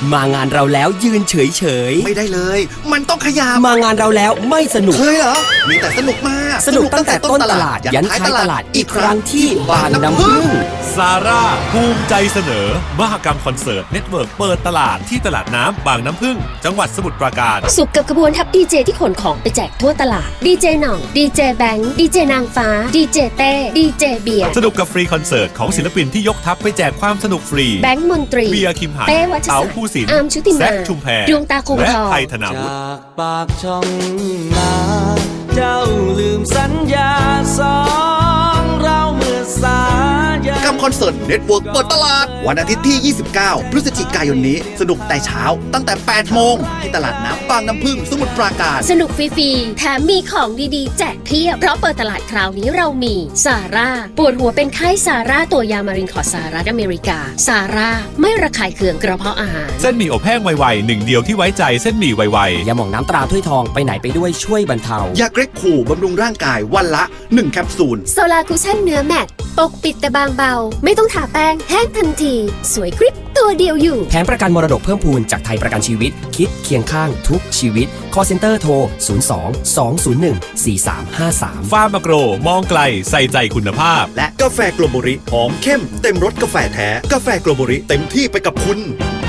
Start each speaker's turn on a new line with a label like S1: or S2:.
S1: มางานเราแล้วยืนเฉย
S2: ไม่ได้เลย มันต้องขยับ
S1: ๆมางานเราแล้วไม่สนุก
S2: เคยเหรอ มีแต่สนุกมาก
S1: สนุกตั้งแต่ต้นตลาดยันท้ายตลาดอีกครั้งที่บางน้ำผึ้ง
S3: ซาร่าภูมิใจเสนอมหกรรมคอนเสิร์ตเน็ตเวิร์กเปิดตลาดที่ตลาดน้ำบางน้ำผึ้งจังหวัดสมุทรปราการ
S4: สุขกับกระบวนทัพดีเจที่ขนของไปแจกทั่วตลาดดีเจหน่องดีเจแบงค์ดีเจนางฟ้าดีเจเต้ดีเจเบียร์
S3: สนุกกับฟรีคอนเสิร์ตของศิลปินที่ยกทัพไปแจกความสนุกฟรี
S4: แบงค์มนตรี
S3: เบียร์คิมหัน
S4: เป้วัช
S3: เต๋า
S4: ศักดิ์
S3: ภูสินทร์
S4: อาร์มชุติมา
S3: แซคชุมแพ
S4: ดวงตาคง
S3: และ
S4: ทอง
S3: ไทยธนาวุฒิ
S5: จากปากช่องนาเจ้าลืมสัญญาสองเราเมื่อสายัน
S2: กับคอนเสิร์ตเน็ตเวิร์กเปิดตลาด วันอาทิตย์ที่ 29 พฤศจิกายนนี้ สนุกแต่เช้าตั้งแต่ 8 โมง ที่ตลาดน้ำบางน้ำผึ้งสมุทรปราการ
S4: สนุกฟรีๆแถมมีของดีๆแจกเพียบเพราะเปิดตลาดคราวนี้เรามีซาร่าปวดหัวเป็นไข้ซาร่าตัวยามารินขอสหรัฐอเมริกาซาร่าไม่ระคายเคืองกระเพาะอาหาร
S3: เส้นหมี่อบแห้งไวๆหนึ่งเดียวที่ไว้ใจเส้นหมี่ไวๆ
S1: ยาหม่องน้ำตราถ้วยทองไปไหนไปด้วยช่วยบรรเทา
S2: ยาเกร็กขู่บำรุงร่างกายวันละ 1 แคปซูล
S4: โซลาคุชั่นเนื้อแมตต์ปกปิดแต่บางเบา ไม่ต้องทาแป้งแห้งทันที สวยกริบตัวเดียวอยู่
S1: แผนประกันมรดกเพิ่มพูนจากไทยประกันชีวิต คิดเคียงข้างทุกชีวิต call center โทร 02-201-4353
S3: ฟาร์มโกรมองไกลใส่ใจคุณภาพ
S2: และกาแฟโกลโบริหอมเข้มเต็มรสกาแฟแท้ กาแฟโกลโบริเต็มที่ไปกับคุณ